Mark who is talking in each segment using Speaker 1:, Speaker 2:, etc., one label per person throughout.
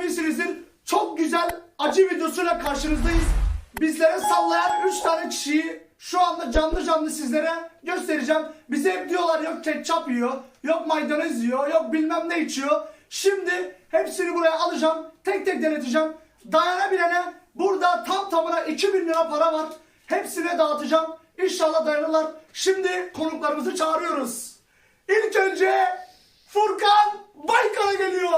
Speaker 1: beğenmişsinizdir. Çok güzel acı videosuyla karşınızdayız. Bizlere sallayan 3 tane kişiyi şu anda canlı sizlere göstereceğim. Bize hep diyorlar yok ketçap yiyor, yok maydanoz yiyor, yok bilmem ne içiyor. Şimdi hepsini buraya alacağım, tek tek deneteceğim. Dayanabilene burada tam tamına 2000 lira para var. Hepsine dağıtacağım. İnşallah dayanırlar. Şimdi konuklarımızı çağırıyoruz. İlk önce Furkan Baykal'a geliyor.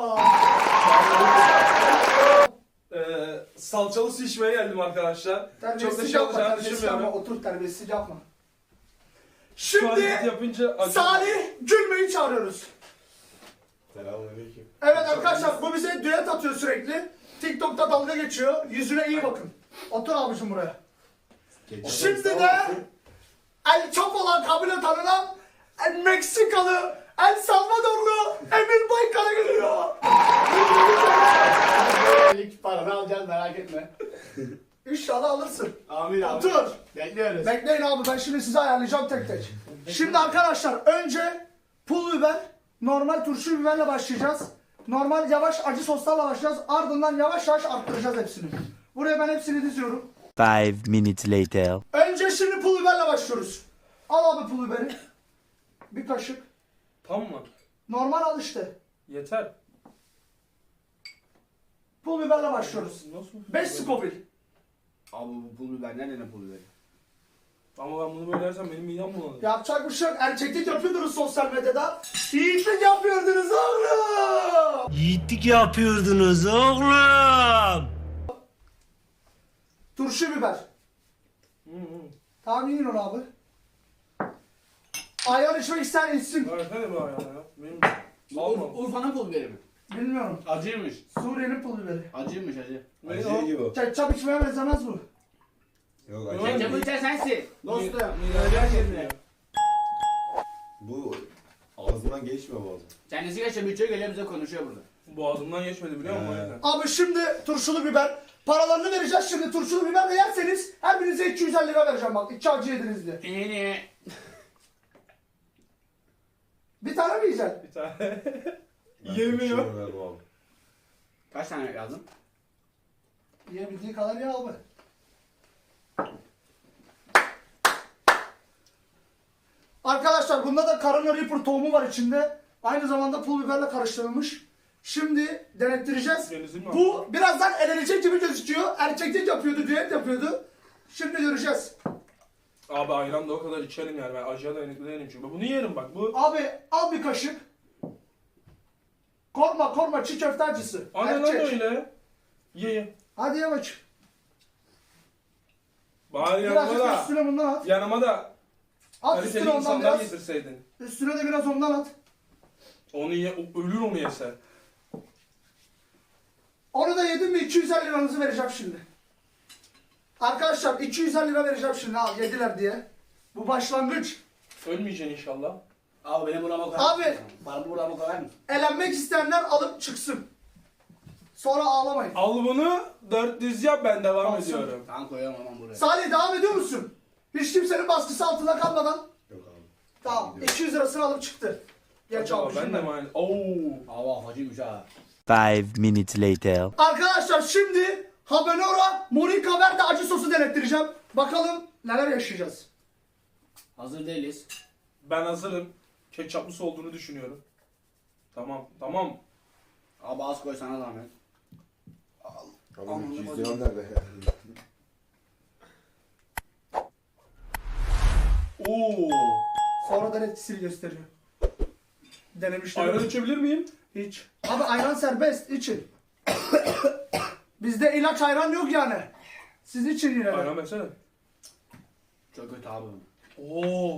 Speaker 2: Salçalı su içmeye geldim arkadaşlar. Çok da şey olacağını düşünmüyorum.
Speaker 1: Otur, terbiyesiz yapma.
Speaker 2: Şu hareketi
Speaker 1: Şimdi
Speaker 2: yapınca
Speaker 1: Salih Gülme'yi çağırıyoruz.
Speaker 3: Selamünaleyküm.
Speaker 1: Evet arkadaşlar, bu bize düet atıyor sürekli. TikTok'ta dalga geçiyor. Yüzüne iyi bakın. Otur abicim buraya. Şimdi de El Chapo'la kabile tanınan Meksikalı, El Salvadorlu Emir Baykal'a geliyor.
Speaker 3: İlk paranı alacağız, merak etme.
Speaker 1: İnşallah alırsın.
Speaker 3: Amin abi.
Speaker 1: Otur.
Speaker 3: Bekliyoruz.
Speaker 1: Bekleyin abi, ben şimdi size ayarlayacağım tek tek. Şimdi arkadaşlar önce pul biber, normal turşu biberle başlayacağız. Normal yavaş acı soslarla başlayacağız. Ardından yavaş yavaş arttıracağız hepsini. Buraya ben hepsini diziyorum.
Speaker 4: 5 minutes later.
Speaker 1: Önce şimdi pul biberle başlıyoruz. Al abi pul biberi. Bir kaşık.
Speaker 2: tam mı?
Speaker 1: Normal al işte.
Speaker 2: Yeter.
Speaker 1: Pul biberle başlıyoruz.
Speaker 2: Nasıl?
Speaker 1: 5 Scoville.
Speaker 3: Abi bu pul biber, nereden pul biberi?
Speaker 2: Ama ben bunu böyle dersem benim midem bulanır.
Speaker 1: Yapacak bir şey yok. Erkeklik yapıyordunuz sosyal medyada. Yiğitlik yapıyordunuz oğlum.
Speaker 4: Yiğitlik yapıyordunuz oğlum.
Speaker 1: Turşu biber. Tamam, yiyin onu abi. Ayran içmek ister içsin.
Speaker 2: Versene bir ayağına ya. Benim almam.
Speaker 3: Urfa'nın pul biberi mi?
Speaker 1: Bilmiyorum.
Speaker 3: Acıymış.
Speaker 1: Suriye'nin pul biberi.
Speaker 3: Acıymış acı.
Speaker 2: Benim
Speaker 5: gibi o.
Speaker 1: Ketçap içmeye benzemez bu.
Speaker 5: Yok
Speaker 2: Yok.
Speaker 5: acı.
Speaker 3: Ketçapı içen sensin. Dostum.
Speaker 2: Midem
Speaker 3: Şimdi.
Speaker 5: Bu ağzından geçmiyor bazen.
Speaker 3: Kendisi geçiyor, bütçe geliyor bize konuşuyor burada.
Speaker 2: Boğazımdan geçmedi biliyor musun? O yüzden.
Speaker 1: Abi şimdi turşulu biber. Paralarını vereceğiz şimdi. Turşulu biber de yerseniz her birinize 250 lira vereceğim bak. 2 acı yediniz diye.
Speaker 3: İyi.
Speaker 1: Bir tane mi yiyeceksin?
Speaker 2: Bir tane.
Speaker 5: Ben
Speaker 2: Yemiyor.
Speaker 5: turşuyu vermem abi.
Speaker 3: Kaç tane yazdın?
Speaker 1: Yiyebildiği kadar ye abi. Arkadaşlar bunda da Carolina Reaper tohumu var içinde. Aynı zamanda pul biberle karıştırılmış. Şimdi denettireceğiz.
Speaker 2: Denizli mi?
Speaker 1: Bu birazdan elenecek gibi gözüküyor. Erkeklik yapıyordu, düet yapıyordu. Şimdi göreceğiz.
Speaker 2: Abi ayran da o kadar içerim yani. Ben acıya dayanıklı değilim çünkü. Bunu yerim bak. Bu
Speaker 1: Abi al bir kaşık. Korkma çiğ köfte acısı.
Speaker 2: Aynen
Speaker 1: Erkek.
Speaker 2: öyle. Ye.
Speaker 1: Hadi ye bak.
Speaker 2: Bari yanıma
Speaker 1: Birazcık
Speaker 2: da.
Speaker 1: üstüne bundan at.
Speaker 2: Yanıma da
Speaker 1: At
Speaker 2: kaliteli
Speaker 1: üstüne ondan
Speaker 2: insanlar
Speaker 1: biraz.
Speaker 2: getirseydin.
Speaker 1: Üstüne de biraz ondan at.
Speaker 2: Onu ye, ölür onu yese.
Speaker 1: Onu da yedim mi 250 liranızı vereceğim şimdi. Arkadaşlar 250 lira vereceğim şimdi, al yediler diye. Bu başlangıç.
Speaker 2: Ölmeyeceksin inşallah.
Speaker 3: Abi benim burama koyar
Speaker 1: Abi.
Speaker 3: mısın? Bana burama koyar mısın?
Speaker 1: Elenmek isteyenler alıp çıksın. Sonra ağlamayın.
Speaker 2: Al bunu 400 yap, ben devam
Speaker 1: Alsın.
Speaker 2: ediyorum.
Speaker 3: Tamam koyuyorum aman buraya.
Speaker 1: Salih devam ediyor musun? Hiç kimsenin baskısı altında kalmadan.
Speaker 5: Yok abi.
Speaker 1: Tamam 200 lirasını alıp çıktı. Geç
Speaker 2: Acaba
Speaker 1: almışım
Speaker 2: ben de mi aynı? Oo.
Speaker 3: Aa acıymış ha.
Speaker 4: 5 minutes later.
Speaker 1: Arkadaşlar şimdi Habanero Monica Verde acı sosu denettireceğim. Bakalım neler yaşayacağız.
Speaker 3: Hazır değiliz.
Speaker 2: Ben hazırım. Ketçaplısı olduğunu düşünüyorum. Tamam.
Speaker 3: Abi az koy sana zahmet.
Speaker 5: Abi 200 lira nerede ya?
Speaker 2: Oo.
Speaker 1: Sonra da etkisini gösteriyor. Denemişler.
Speaker 2: Ayran içebilir miyim?
Speaker 1: Hiç. Abi ayran serbest, için. Bizde ilaç ayran yok yani. Siz için yine. de.
Speaker 2: Ayran versene.
Speaker 3: Çok kötü abi.
Speaker 2: Oo.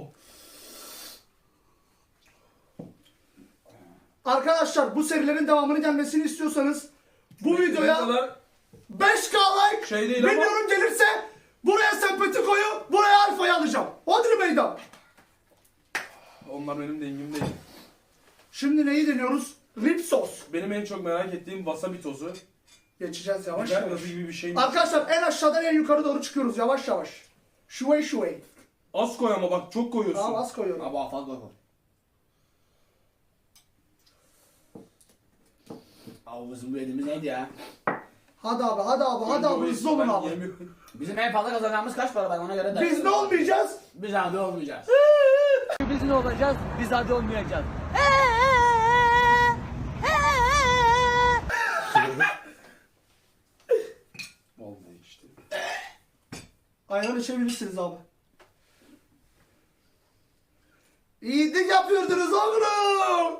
Speaker 1: Arkadaşlar bu serilerin devamını gelmesini istiyorsanız bu
Speaker 2: Ne
Speaker 1: videoya
Speaker 2: kadar
Speaker 1: 5K like
Speaker 2: şey değil ama.
Speaker 1: milyon gelirse buraya sempati koyu, buraya alfayı alacağım. Hodri meydan.
Speaker 2: Onlar benim dengim değil.
Speaker 1: Şimdi neyi deniyoruz? Rib sos.
Speaker 2: Benim en çok merak ettiğim wasabi tozu.
Speaker 1: Geçeceğiz yavaş
Speaker 2: Biber
Speaker 1: yavaş.
Speaker 2: gazı gibi bir şey mi?
Speaker 1: Arkadaşlar en aşağıdan en yukarı doğru çıkıyoruz yavaş yavaş. Şuvey.
Speaker 2: Az koy ama bak çok koyuyorsun.
Speaker 1: Tamam az koyuyorum.
Speaker 3: Abi fazla koy. Abi bizim bu elimiz neydi ya?
Speaker 1: Hadi abi hadi abi hadi abi hızlı olun
Speaker 2: Ben
Speaker 1: abi.
Speaker 2: yemiyorum.
Speaker 3: Bizim en fazla kazanacağımız kaç para ben ona göre de.
Speaker 1: Biz ne olmayacağız?
Speaker 3: Biz hadi olmayacağız.
Speaker 6: Biz ne olacağız? Biz hadi olmayacağız.
Speaker 5: Olmuyor işte.
Speaker 1: Ayran içebilirsiniz abi. İyilik yapıyordunuz oğlum.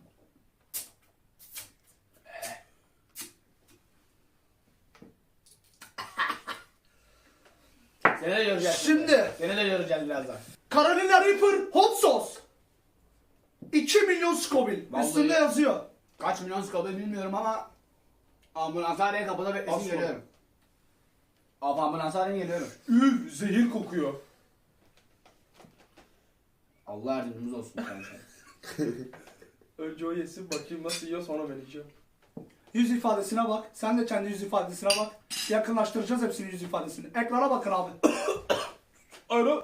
Speaker 3: Seni de göreceğiz.
Speaker 1: Şimdi
Speaker 3: Seni de göreceğiz birazdan.
Speaker 1: Carolina Reaper Hot Sauce. 2 milyon Scoville.
Speaker 3: Vallahi.
Speaker 1: Üstünde yazıyor.
Speaker 3: Kaç milyon skabı bilmiyorum ama ambulanshaneye kapıda beklesin
Speaker 2: Asla.
Speaker 3: geliyorum. Abi ambulanshaneye geliyorum.
Speaker 2: Üf, zehir kokuyor.
Speaker 3: Allah yardımcımız olsun kardeşim.
Speaker 2: Önce o yesin bakayım nasıl yiyor sonra ben yiyeceğim.
Speaker 1: Yüz ifadesine bak. Sen de kendi yüz ifadesine bak. Yakınlaştıracağız hepsinin yüz ifadesini. Ekrana bakın abi.
Speaker 2: Ayran.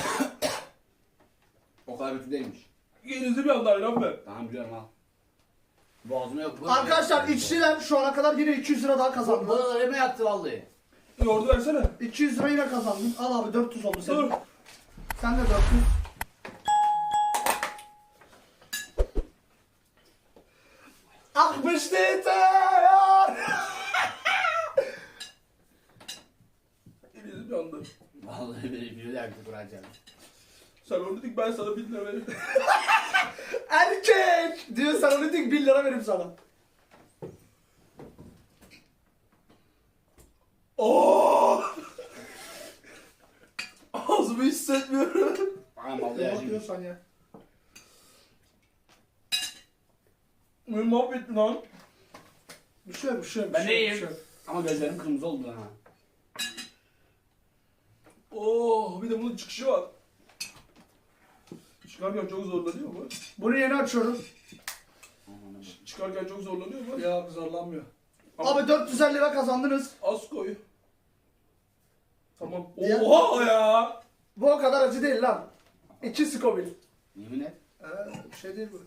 Speaker 3: O kadar kötü değilmiş.
Speaker 2: Yenizli bir anda ayran be.
Speaker 3: Tamam biliyorum al. Boğazıma yok.
Speaker 1: Arkadaşlar içtiler şu ana kadar yine 200 lira daha kazandılar.
Speaker 3: Bana öyle yattı vallahi.
Speaker 2: Yoğurdu versene.
Speaker 1: 200 lira yine kazandın. Al abi 400 oldu senin.
Speaker 2: Dur.
Speaker 1: Sen de 400. Akmış yeter.
Speaker 2: Yenizli bir anda.
Speaker 3: Vallahi bir yaktı kuracağım.
Speaker 2: Sen onu dedik ben sana 1000 lira vereyim.
Speaker 1: Erkek. Diyor sen onu dik 1 lira vereyim sana.
Speaker 2: Oo! Ağzımı hissetmiyorum.
Speaker 3: Bana vallahi
Speaker 1: Ne
Speaker 3: acım.
Speaker 1: bakıyorsan ya.
Speaker 2: Beni mahvettin lan.
Speaker 1: Bir şey yok, bir şey yok, bir
Speaker 3: Ben de
Speaker 1: şey yok,
Speaker 3: iyiyim.
Speaker 1: bir şey yok.
Speaker 3: Ama gözlerim kırmızı oldu ha.
Speaker 2: Oo, bir de bunun çıkışı var. Çıkarken çok zorlanıyor mu?
Speaker 1: Bunu yeni açıyorum.
Speaker 2: Çıkarken çok zorlanıyor mu?
Speaker 1: Ya zorlanmıyor.
Speaker 2: Ama-
Speaker 1: Abi 450 lira kazandınız.
Speaker 2: Az koy. Tamam.
Speaker 1: Ya-
Speaker 2: Oha ya!
Speaker 1: Bu o kadar acı değil lan. 2 Scoville.
Speaker 3: Yemin et.
Speaker 1: Bir şey değil bu.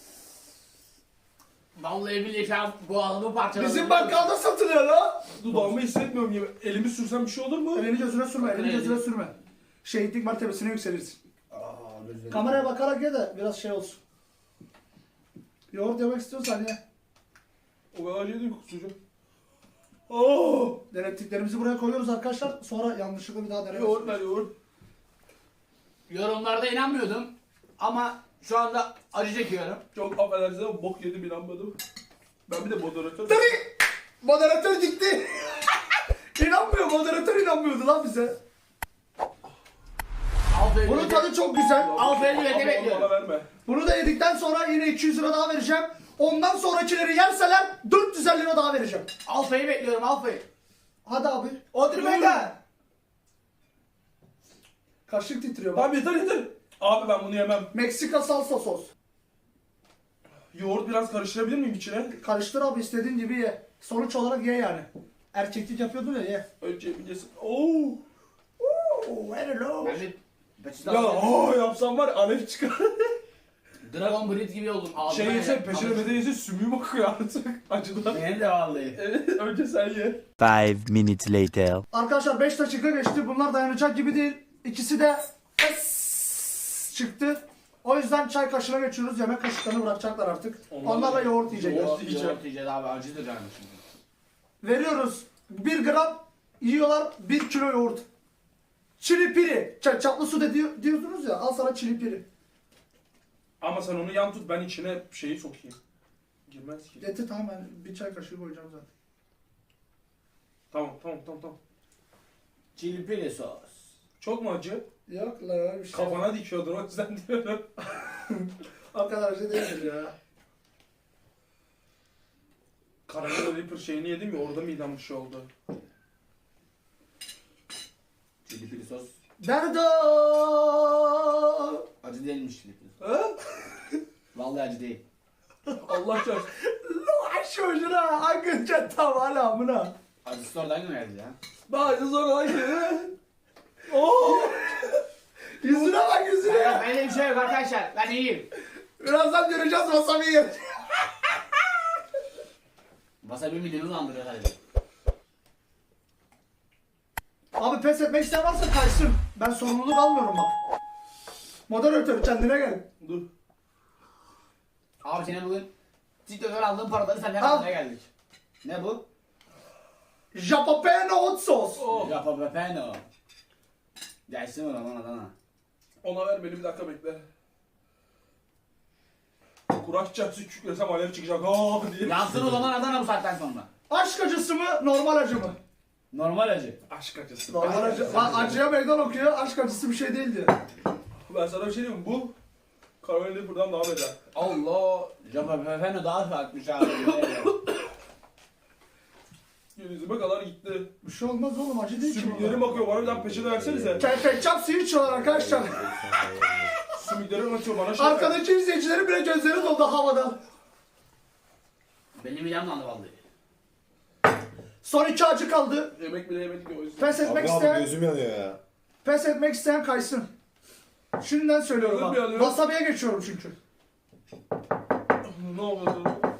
Speaker 3: Vallahi billahi şu an boğazımı parçaladı.
Speaker 1: Bizim bakkalda satılıyor lan.
Speaker 2: Dudağımı hissetmiyorum gibi. Elimi sürsem bir şey olur mu?
Speaker 1: Elini gözüne sürme, elini
Speaker 3: Bakın
Speaker 1: gözüne
Speaker 3: elini.
Speaker 1: sürme. Şehitlik mertebesine yükselirsin.
Speaker 3: Aa, gözlerim.
Speaker 1: Kameraya bakarak ye de biraz şey olsun. Yoğurt yemek istiyorsan ye.
Speaker 2: O kadar yedim kusacağım. Oo!
Speaker 1: Denettiklerimizi buraya koyuyoruz arkadaşlar. Sonra yanlışlıkla bir daha deneriz.
Speaker 2: Yoğurt ver yoğurt.
Speaker 3: Yorumlarda inanmıyordum. Ama şu anda acı çekiyorum.
Speaker 2: Çok affedersiniz ama bok yedim inanmadım. Ben bir de moderatör.
Speaker 1: Tabii. Moderatör gitti. İnanmıyor, moderatör inanmıyordu lan bize.
Speaker 3: Aferin.
Speaker 1: Bunun tadı çok güzel.
Speaker 3: Aferin
Speaker 2: Ama
Speaker 3: ne
Speaker 2: onu
Speaker 3: bekliyorum.
Speaker 2: bana verme.
Speaker 1: Bunu da yedikten sonra yine 200 lira daha vereceğim. Ondan sonrakileri yerseler 450 lira daha vereceğim.
Speaker 3: Alfa'yı bekliyorum Alfa'yı.
Speaker 1: Hadi abi.
Speaker 3: Otur bekle.
Speaker 1: Kaşık titriyor bak.
Speaker 2: Abi yeter yeter. Abi ben bunu yemem.
Speaker 1: Meksika salsa sos.
Speaker 2: Yoğurt biraz karıştırabilir miyim içine?
Speaker 1: Karıştır abi istediğin gibi ye. Sonuç olarak ye yani. Erkeklik yapıyordun ya ye.
Speaker 2: Önce bir yesin. Oo!
Speaker 1: Oo, hello.
Speaker 3: Ben bir peçete
Speaker 2: Ya
Speaker 3: aldım.
Speaker 2: yapsam var ya alev çıkar.
Speaker 3: Dragon Breed gibi oldum. Ağzıma
Speaker 2: Şey yese
Speaker 3: yedim.
Speaker 2: peşine mede yese sümüğüm akıyor artık. Acıdan.
Speaker 3: Benim de vallahi.
Speaker 2: Evet önce sen ye.
Speaker 4: 5 minutes later.
Speaker 1: Arkadaşlar 5 dakika geçti. Bunlar dayanacak gibi değil. İkisi de es çıktı. O yüzden çay kaşığına geçiyoruz. Yemek kaşıklarını bırakacaklar artık. Onlarla yoğurt yiyecekler.
Speaker 2: Yoğurt yiyeceğim.
Speaker 3: Yoğurt yiyeceğiz abi acıdır yani şimdi.
Speaker 1: Veriyoruz. 1 gram yiyorlar 1 kilo yoğurt. Çili piri. Çaplı su diyorsunuz ya. Al sana çili piri.
Speaker 2: Ama sen onu yan tut ben içine şeyi sokayım. Girmez ki.
Speaker 1: Getir tamam ben bir çay kaşığı koyacağım zaten.
Speaker 2: Tamam.
Speaker 3: Chili pili sos.
Speaker 2: Çok mu acı?
Speaker 1: Yok la öyle bir şey.
Speaker 2: Kafana dikiyordur o yüzden diyorum.
Speaker 1: O kadar acı değildir ya.
Speaker 2: Karamel Reaper şeyini yedim ya orada midem bir şey oldu.
Speaker 3: Chili pili sos.
Speaker 1: Derdo.
Speaker 3: Acı değilmiş chili pili sos.
Speaker 2: Ha?
Speaker 3: Vallahi acı değil.
Speaker 2: Allah çarpsın.
Speaker 1: Aş hoşuna hangi çatam hala amına.
Speaker 3: Acısı oradan mı geldi ya?
Speaker 2: Bazı sonra acı. Oo!
Speaker 1: Yüzüne bak yüzüne.
Speaker 3: Benim bir şey yok arkadaşlar. Ben iyiyim.
Speaker 1: Birazdan göreceğiz wasabi yer.
Speaker 3: Wasabi mideni andırıyor hadi.
Speaker 1: Abi pes etmek isteyen varsa kaysın. Ben sorumluluk almıyorum bak. Moderatör kendine gel.
Speaker 2: Dur.
Speaker 3: Abi senin bugün TikTok'tan aldığın paraları senden
Speaker 1: Al.
Speaker 3: almaya geldik. Ne bu?
Speaker 1: Jalapeno hot sos.
Speaker 2: Oh.
Speaker 3: Jalapeno. Gelsin mi lan Adana?
Speaker 2: Ona ver beni bir dakika bekle. Kuraş çarpsı küçüklersem alev çıkacak. Aa diye.
Speaker 3: Yansın o zaman Adana bu saatten sonra.
Speaker 1: Aşk acısı mı normal acı mı?
Speaker 3: Normal acı.
Speaker 2: Aşk acısı.
Speaker 1: Normal acı. Lan acıya meydan okuyor. Aşk acısı bir şey değil diyor.
Speaker 2: Ben sana bir şey diyeyim mi? Bu Carolina buradan daha beter.
Speaker 3: Allah. Jalapeno daha farklı abi.
Speaker 2: Yüzüme kadar gitti.
Speaker 1: Bir şey olmaz oğlum acı değil ki.
Speaker 2: Sümüklerim bakıyor bana bir daha peçete versenize.
Speaker 1: Ketçap suyu içiyorlar arkadaşlar.
Speaker 2: Sümüklerim atıyor bana şey.
Speaker 1: Arkadaki izleyicilerin bile gözleri doldu havada.
Speaker 3: Benim midem landı vallahi.
Speaker 1: Son 2 acı kaldı.
Speaker 2: Yemek bile yemedik ya o yüzden.
Speaker 1: Pes etmek
Speaker 5: Abi abi
Speaker 1: isteyen,
Speaker 5: gözüm yanıyor ya.
Speaker 1: pes etmek isteyen kaysın. Şimdiden söylüyorum
Speaker 2: Gözüm
Speaker 1: bak.
Speaker 2: yanıyor.
Speaker 1: Wasabi'ye geçiyorum çünkü.
Speaker 2: Ne oldu?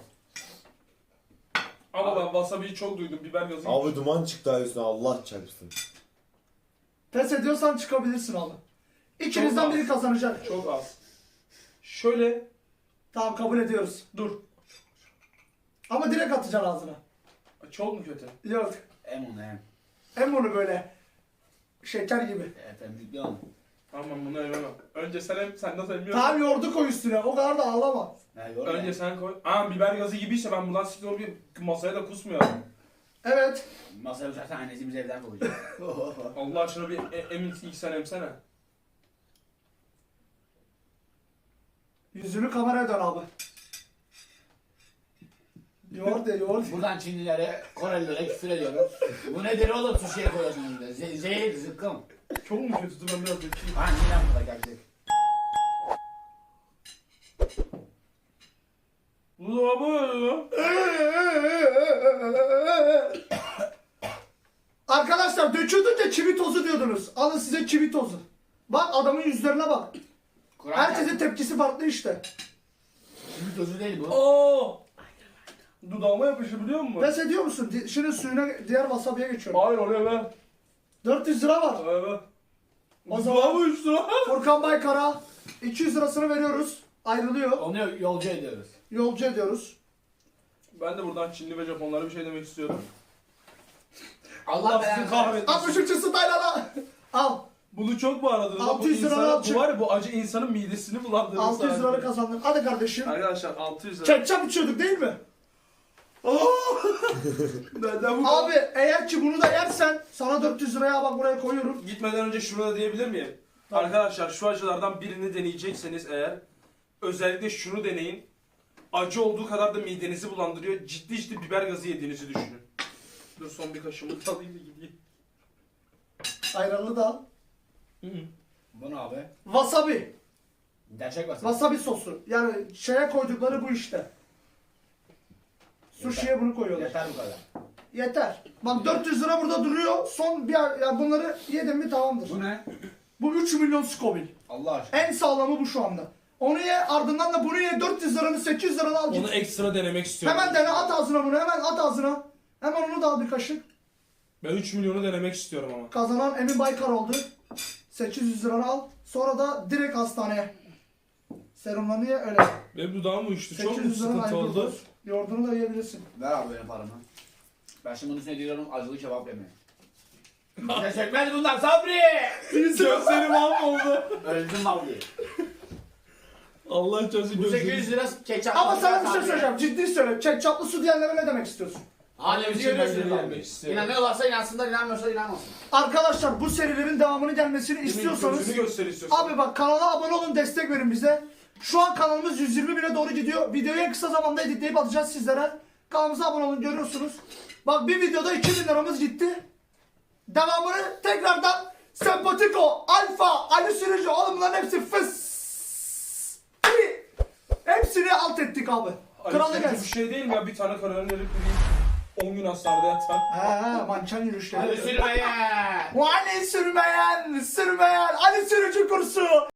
Speaker 2: Ama ben wasabi'yi çok duydum. Biber gazı.
Speaker 5: Abi duman çıktı ha üstüne Allah çarpsın.
Speaker 1: Pes ediyorsan çıkabilirsin abi. İkinizden
Speaker 2: Çok
Speaker 1: biri
Speaker 2: az.
Speaker 1: kazanacak.
Speaker 2: Çok az. Şöyle
Speaker 1: Tamam kabul ediyoruz.
Speaker 2: dur.
Speaker 1: Ama direkt atacaksın ağzına.
Speaker 2: Çok mu kötü?
Speaker 1: Yok.
Speaker 3: Em onu em.
Speaker 1: Hem bunu böyle şeker gibi.
Speaker 3: Efendim yüklü onu.
Speaker 2: Tamam bunu yemem. Önce sen nasıl emiyorsun?
Speaker 1: Tamam yoğurdu koy üstüne. O kadar da ağlama.
Speaker 3: Ne yor
Speaker 2: Önce sen koy. Aa biber gazı gibiyse ben bundan siktir olup masaya da kusmuyor.
Speaker 1: Evet.
Speaker 3: Masaya uçarsan annesi bizi evden kovacak.
Speaker 2: Allah aşkına bir emin ilk sen emsene.
Speaker 1: Yüzünü kameraya dön abi. Yoğurt de yoğurt.
Speaker 3: Buradan Çinlilere, Korelilere küfür ediyorum. Bu nedir oğlum sushi'ye koyuyorsunuz bir de. Zehir, zıkkım.
Speaker 2: Çok mu kötü? Dur ben biraz bekeyim.
Speaker 3: Ha neden burada gerçek?
Speaker 2: Bu da bu.
Speaker 1: Arkadaşlar döküldükçe çivi tozu diyordunuz. Alın size çivi tozu. Bak adamın yüzlerine bak. Herkesin tepkisi farklı işte.
Speaker 3: Ümit özü değil bu.
Speaker 2: Aa! Dudağıma yapışır biliyor musun?
Speaker 1: Pes ediyor musun? Şimdi suyuna diğer wasabi'ye geçiyorum.
Speaker 2: Hayır oraya ver.
Speaker 1: 400 lira var.
Speaker 2: Evet.
Speaker 1: O
Speaker 2: O
Speaker 1: zaman-
Speaker 2: zaman bu 3 lira.
Speaker 1: Furkan Baykar'a 200 lirasını veriyoruz. Ayrılıyor.
Speaker 3: Onu yolcu ediyoruz.
Speaker 1: Yolcu ediyoruz.
Speaker 2: Ben de buradan Çinli ve Japonlara bir şey demek istiyorum.
Speaker 3: Allah
Speaker 2: sizi
Speaker 3: belanı
Speaker 2: kahretsin.
Speaker 1: 63. Taylan'a. Al.
Speaker 2: Bunu çok mu aradınız?
Speaker 1: 600
Speaker 2: Bu
Speaker 1: lira
Speaker 2: insana-
Speaker 1: çık.
Speaker 2: Bu var ya bu acı insanın midesini bulandırır.
Speaker 1: 600 lira kazandın. Hadi kardeşim.
Speaker 2: Arkadaşlar 600 lira.
Speaker 1: Ketçap içiyorduk değil mi?
Speaker 2: Neden bu?
Speaker 1: Abi eğer ki bunu da yersen sana 400 liraya bak buraya koyuyorum.
Speaker 2: Gitmeden önce şunu da diyebilir miyim? Arkadaşlar şu acılardan birini deneyecekseniz eğer özellikle şunu deneyin. Acı olduğu kadar da midenizi bulandırıyor. Ciddi biber gazı yediğinizi düşünün. Dur son bir kaşığımı alayım da gideyim.
Speaker 1: Ayranlı da al.
Speaker 3: Bu ne abi?
Speaker 1: Wasabi.
Speaker 3: Gerçek basın.
Speaker 1: Wasabi sosu. Yani şeye koydukları bu işte. Sushi'ye bunu koyuyorlar.
Speaker 3: Yeter bu kadar.
Speaker 1: Yeter. Bak 400 lira burada duruyor. Son bir yani bunları yedim mi tamamdır.
Speaker 3: Bu ne?
Speaker 1: Bu 3 milyon Scoville.
Speaker 3: Allah aşkına.
Speaker 1: En sağlamı bu şu anda. Onu ye ardından da bunu ye 400 liranı 800 liranı al git.
Speaker 2: Onu ekstra denemek istiyorum.
Speaker 1: Hemen dene at ağzına bunu hemen at ağzına. Hemen onu da al bir kaşık.
Speaker 2: Ben 3 milyonu denemek istiyorum ama.
Speaker 1: Kazanan Emin Baykar oldu. 800 liranı al. Sonra da direkt hastaneye. Serumlarını ye öyle.
Speaker 2: Benim dudağım uyuştu. Çok mu
Speaker 1: 800 liranı
Speaker 2: sıkıntı oldu?
Speaker 1: ayırıyoruz. Yoğurdunu da yiyebilirsin.
Speaker 3: Ver abi benim paramı. Ben şimdi bunun üstüne diyorum acılı kebap yemeye. Bize sökmez bunlar Sabri!
Speaker 2: Gözlerim mahvoldu.
Speaker 3: Öldüm vallahi.
Speaker 2: Allah çarpsın
Speaker 3: Bu
Speaker 2: gözlerim.
Speaker 3: 800 lira ketçap.
Speaker 1: Ama sana bir şey söyleyeceğim. Ciddi söyle. Ketçaplı su diyenlere ne demek istiyorsun?
Speaker 3: Annemizi
Speaker 2: Gözlerim
Speaker 3: görüyorsunuz
Speaker 2: yemek
Speaker 3: abi.
Speaker 2: istiyorum.
Speaker 3: İnanıyorlarsa inansınlar, inanmıyorsa inanmasın.
Speaker 1: Arkadaşlar bu serilerin devamını gelmesini istiyorsanız
Speaker 2: Gözünü göster istiyorsan.
Speaker 1: abi bak kanala abone olun destek verin bize. Şu an kanalımız 120 bine doğru gidiyor. Videoyu en kısa zamanda editleyip atacağız sizlere. Kanalımıza abone olun görüyorsunuz. Bak bir videoda 2000 liramız gitti. Devamını tekrardan Sempatiko, Alfa, Ali Sürücü oğlum bunların hepsi fıs. Hepsini alt ettik abi. Kralı
Speaker 2: Bir
Speaker 1: gelsin.
Speaker 2: şey değil mi ya? Bir tane kararını verip 10 gün hastanede yatan.
Speaker 1: He mançan yürüyüşleri.
Speaker 3: Hadi sürmeye!
Speaker 1: Ali sürmeyen, Ali sürücü kursu.